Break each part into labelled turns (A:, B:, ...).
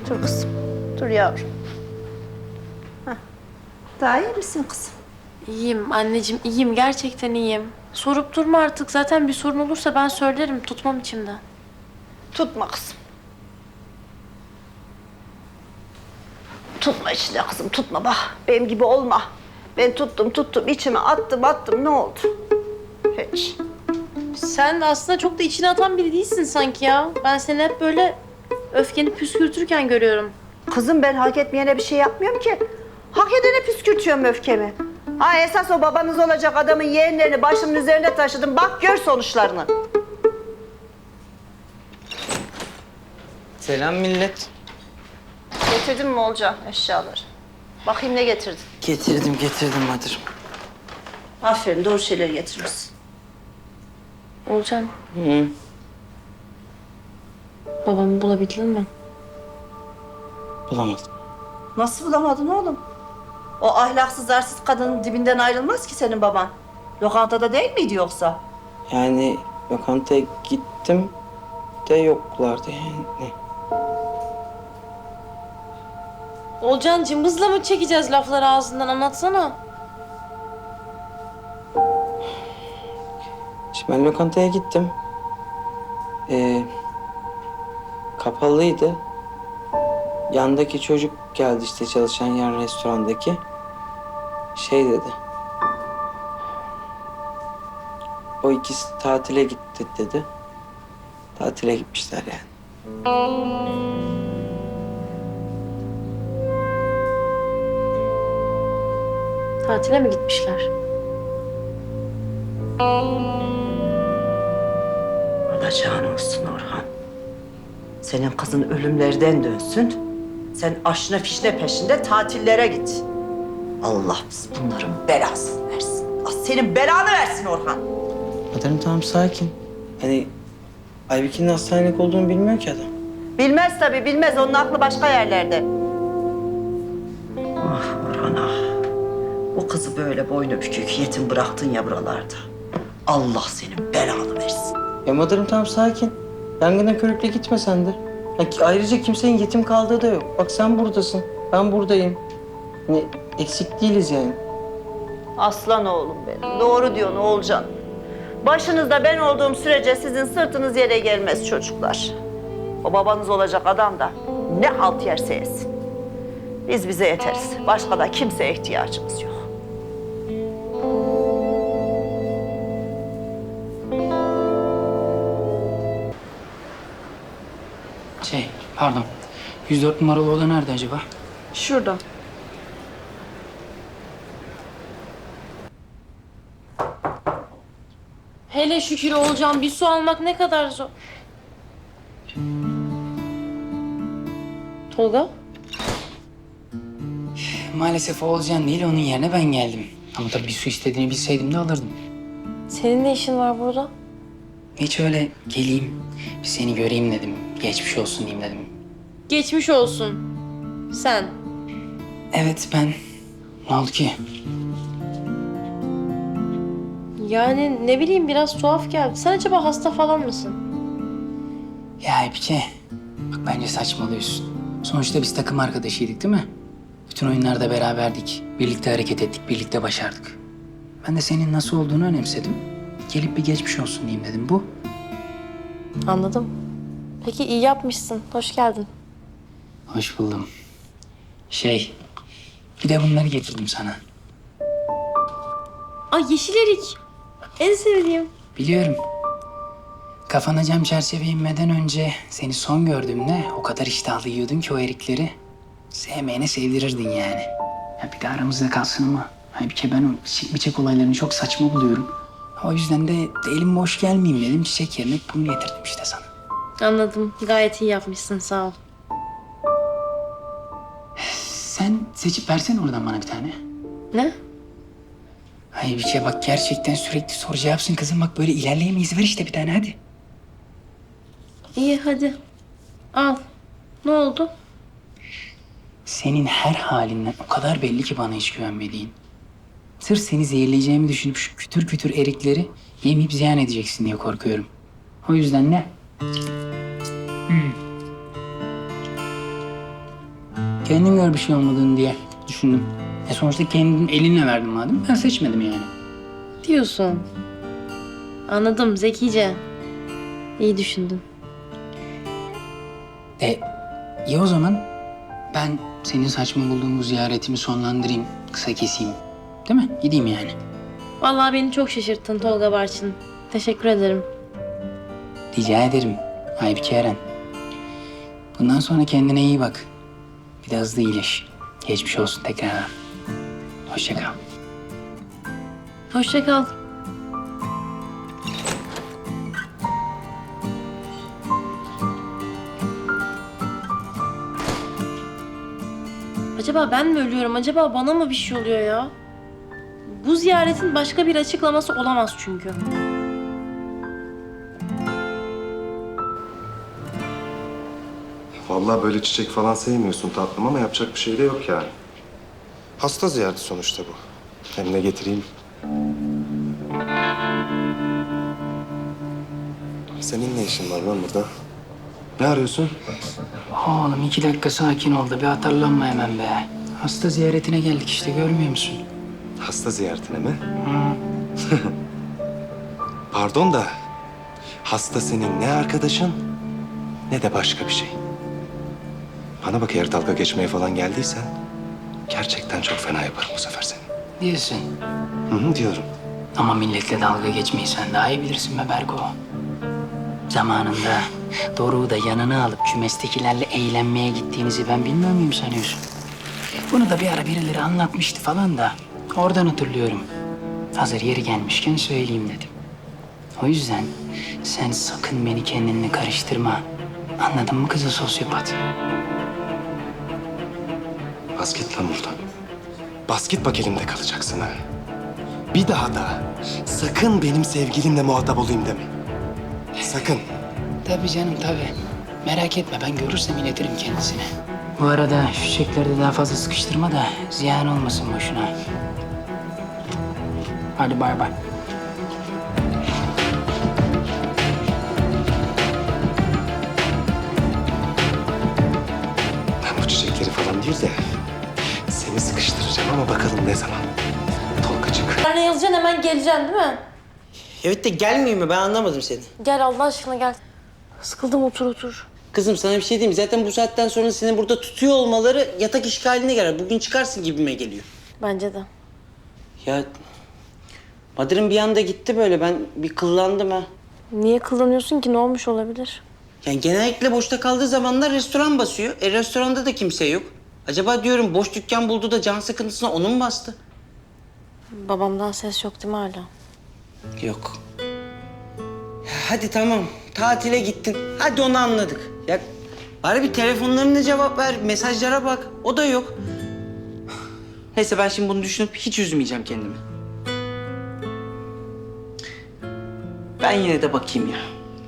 A: Dur kızım. Dur yavrum. Heh. Daha iyi misin kızım?
B: İyiyim anneciğim, iyiyim. Gerçekten iyiyim. Sorup durma artık. Zaten bir sorun olursa ben söylerim. Tutmam içimde.
A: Tutma kızım. Tutma içinde kızım, tutma bak. Benim gibi olma. Ben tuttum, içime attım. Ne oldu? Hiç.
B: Sen aslında çok da içine atan biri değilsin sanki ya. Ben seni hep böyle öfkeni püskürtürken görüyorum.
A: Kızım ben hak etmeyene bir şey yapmıyorum ki. Hak edene püskürtüyorum öfkemi. Ha esas o babanız olacak adamın yeğenlerini başımın üzerine taşıdım. Bak gör sonuçlarını.
C: Selam millet.
A: Getirdin mi Olcan eşyaları? Bakayım ne getirdin?
C: Getirdim Madır'ım.
A: Aferin doğru şeyleri getirmişsin.
B: Olcan,
C: Hı.
B: babamı bulabildin mi?
C: Bulamadım.
A: Nasıl bulamadın oğlum? O ahlaksız arsız kadının dibinden ayrılmaz ki senin baban. Lokantada değil miydi yoksa?
C: Yani lokantaya gittim de yoklardı yani.
B: Olcan cımbızla mı çekeceğiz lafları ağzından? Anlatsana.
C: İşte ben lokantaya gittim. Kapalıydı. Yandaki çocuk geldi işte çalışan yan restorandaki. Şey dedi. O ikisi tatile gitti dedi. Tatile gitmişler yani.
B: Tatile mi gitmişler?
A: Alacağın olsun Orhan. Senin kızın ölümlerden dönsün. Sen aşna fişne peşinde tatillere git. Allah biz bunların belasını versin. Allah senin belanı versin Orhan.
C: Madem tamam sakin. Hani Aybike'nin hastanelik olduğunu bilmiyor ki adam.
A: Bilmez tabii bilmez. Onun aklı başka yerlerde. Ah Orhan ah. O kızı böyle boynu bükük yetim bıraktın ya buralarda. Allah senin belanı versin.
C: Ya Madır'ım tamam sakin. Yangına körükle gitme sen de. Ayrıca kimsenin yetim kaldığı da yok. Bak sen buradasın, ben buradayım. Hani eksik değiliz yani.
A: Aslan oğlum benim. Doğru diyorsun Oğulcan. Başınızda ben olduğum sürece sizin sırtınız yere gelmez çocuklar. O babanız olacak adam da ne halt yerse yesin. Biz bize yeteriz. Başka da kimseye ihtiyacımız yok.
D: Pardon. 104 numaralı oda nerede acaba?
B: Şurada. Hele şükür Olcan, bir su almak ne kadar zor. Tolga?
D: Maalesef Oğulcan değil, onun yerine ben geldim. Ama tabii bir su istediğini bilseydim de alırdım.
B: Senin ne işin var burada?
D: Hiç öyle geleyim, bir seni göreyim dedim. Geçmiş olsun diyeyim dedim.
B: Geçmiş olsun. Sen.
D: Evet ben. Ne oldu ki?
B: Yani ne bileyim biraz tuhaf geldi. Sen acaba hasta falan mısın?
D: Ya Aybike, bak bence saçmalıyorsun. Sonuçta biz takım arkadaşıydık değil mi? Bütün oyunlarda beraberdik. Birlikte hareket ettik, birlikte başardık. Ben de senin nasıl olduğunu önemsedim. Gelip bir geçmiş olsun diyeyim dedim. Bu.
B: Anladım. Peki iyi yapmışsın. Hoş geldin.
D: Hoş buldum. Bir de bunları getirdim sana.
B: Ay yeşil erik. En sevdiğim.
D: Biliyorum. Kafana cam çerçeve inmeden önce seni son gördüğümde o kadar iştahlı yiyordun ki o erikleri. Sevmeyene sevdirirdin yani. Ya bir de aramızda kalsın ama halbuki ben o çiçek bıçak olaylarını çok saçma buluyorum. O yüzden de elim boş gelmeyeyim dedim. Çiçek yerine bunu getirdim işte sana.
B: Anladım. Gayet iyi yapmışsın. Sağ ol.
D: Sen seçip versene oradan bana bir tane.
B: Ne?
D: Ay bir şey bak gerçekten sürekli soru cevapsın kızım. Bak böyle ilerleyemeyiz. Ver işte bir tane hadi.
B: İyi hadi. Al. Ne oldu?
D: Senin her halinden o kadar belli ki bana hiç güvenmediğin. Sırf seni zehirleyeceğimi düşünüp şu kütür kütür erikleri yemeyip ziyan edeceksin diye korkuyorum. O yüzden ne? Kendin gör bir şey olmadığını diye düşündüm. Sonuçta kendin elinle verdin madem. Ben seçmedim yani.
B: Diyorsun. Anladım, zekice. İyi düşündün.
D: İyi o zaman ben senin saçma bulduğun bu ziyaretimi sonlandırayım, kısa keseyim. Değil mi? Gideyim yani.
B: Vallahi beni çok şaşırttın Tolga Barçın. Teşekkür ederim.
D: Rica ederim Aybike Eren. Bundan sonra kendine iyi bak. Biraz da iyileş. Geçmiş olsun tekrardan. Hoşça kal.
B: Hoşça kal. Acaba ben mi ölüyorum? Acaba bana mı bir şey oluyor ya? Bu ziyaretin başka bir açıklaması olamaz çünkü.
E: Vallahi böyle çiçek falan sevmiyorsun tatlım ama yapacak bir şey de yok yani. Hasta ziyareti sonuçta bu. Hem ne getireyim? Senin ne işin var lan burada? Ne arıyorsun?
D: Oğlum 2 dakika sakin ol da bir atarlanma hemen be. Hasta ziyaretine geldik işte görmüyor musun?
E: Hasta ziyaretine mi? Pardon da hasta senin ne arkadaşın ne de başka bir şey. Bana bak eğer dalga geçmeye falan geldiysen gerçekten çok fena yaparım bu sefer seni.
D: Diyorsun.
E: Hı diyorum.
D: Ama milletle dalga geçmeyi sen daha iyi bilirsin be Berko. Zamanında Doruk'u da yanına alıp kümestekilerle eğlenmeye gittiğinizi ben bilmiyor muyum sanıyorsun? Bunu da bir ara birileri anlatmıştı falan da oradan hatırlıyorum. Hazır yeri gelmişken söyleyeyim dedim. O yüzden sen sakın beni kendinle karıştırma. Anladın mı kızı sosyopat?
E: Bas git lan buradan. Bas git bak elimde kalacaksın ha. Bir daha da sakın benim sevgilimle muhatap olayım deme. Sakın.
D: Tabii canım tabii. Merak etme ben görürsem iletirim kendisine. Bu arada şu çiçekleri de daha fazla sıkıştırma da ziyan olmasın boşuna. Hadi bay bay.
E: Ben bu çiçekleri falan değil de seni sıkıştıracağım ama bakalım ne zaman. Tolgacık.
B: Yarın yazacaksın hemen geleceksin değil mi?
C: Evet de gelmiyor mu? Ben anlamadım seni.
B: Gel Allah aşkına gel. Sıkıldım otur otur.
C: Kızım sana bir şey diyeyim mi? Zaten bu saatten sonra seni burada tutuyor olmaları yatak işgaline girer. Bugün çıkarsın gibime geliyor.
B: Bence de.
C: Ya Madır'ın bir anda gitti böyle. Ben bir kıllandım ha.
B: Niye kullanıyorsun ki? Ne olmuş olabilir?
C: Yani genellikle boşta kaldığı zamanlar restoran basıyor. Restoranda da kimse yok. Acaba diyorum boş dükkan buldu da can sıkıntısına onu mu bastı?
B: Babamdan ses yok değil mi hala?
C: Yok. Hadi tamam. Tatile gittin. Hadi onu anladık. Ya bari bir telefonlarına cevap ver. Mesajlara bak. O da yok. Neyse ben şimdi bunu düşünüp hiç üzmeyeceğim kendimi. Ben yine de bakayım ya.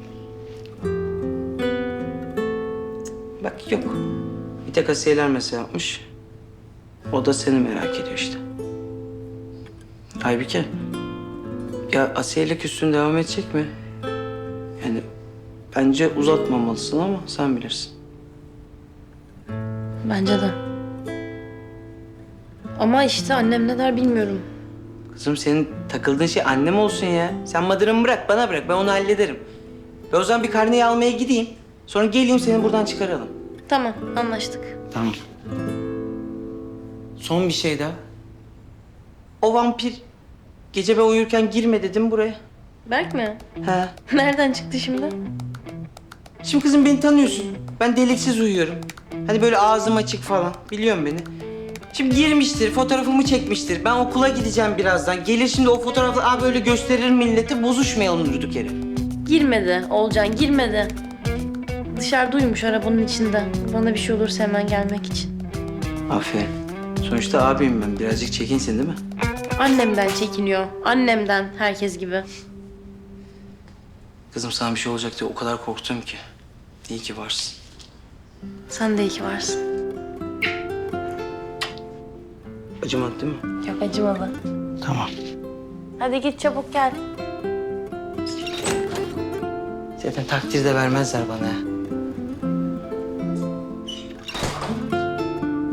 C: Bak yok. Bir tek Asiyeler mesaj yapmış. O da seni merak ediyor işte. Aybike. Ya Asiye ile küslüğün devam edecek mi? Yani bence uzatmamalısın ama sen bilirsin.
B: Bence de. Ama işte annem ne der bilmiyorum.
C: Kızım senin takıldığın şey annem olsun ya. Sen Madır'ımı bırak, bana bırak. Ben onu hallederim. Ben o zaman bir karneyi almaya gideyim. Sonra geleyim seni buradan çıkaralım.
B: Tamam anlaştık.
C: Tamam. Son bir şey daha. O vampir gece ben uyurken girme dedim buraya.
B: Berk mi?
C: He.
B: Nereden çıktı şimdi?
C: Şimdi kızım beni tanıyorsun. Ben deliksiz uyuyorum. Hani böyle ağzım açık falan. Biliyorsun beni. Şimdi girmiştir, fotoğrafımı çekmiştir. Ben okula gideceğim birazdan. Gelir şimdi o fotoğrafı abi böyle gösterir millete. Bozuşmayalım durduk yere.
B: Girmedi Olcan girmedi. Dışarıda uyumuş arabanın içinde. Bana bir şey olursa hemen gelmek için.
C: Aferin. Sonuçta abiyim ben. Birazcık çekinsin değil mi?
B: Annemden çekiniyor. Annemden herkes gibi.
C: Kızım sana bir şey olacak diye o kadar korktum ki. İyi ki varsın.
B: Sen de iyi ki varsın.
C: Acımadı değil mi?
B: Yok acımadı.
C: Tamam.
B: Hadi git çabuk gel.
C: Zaten takdir de vermezler bana.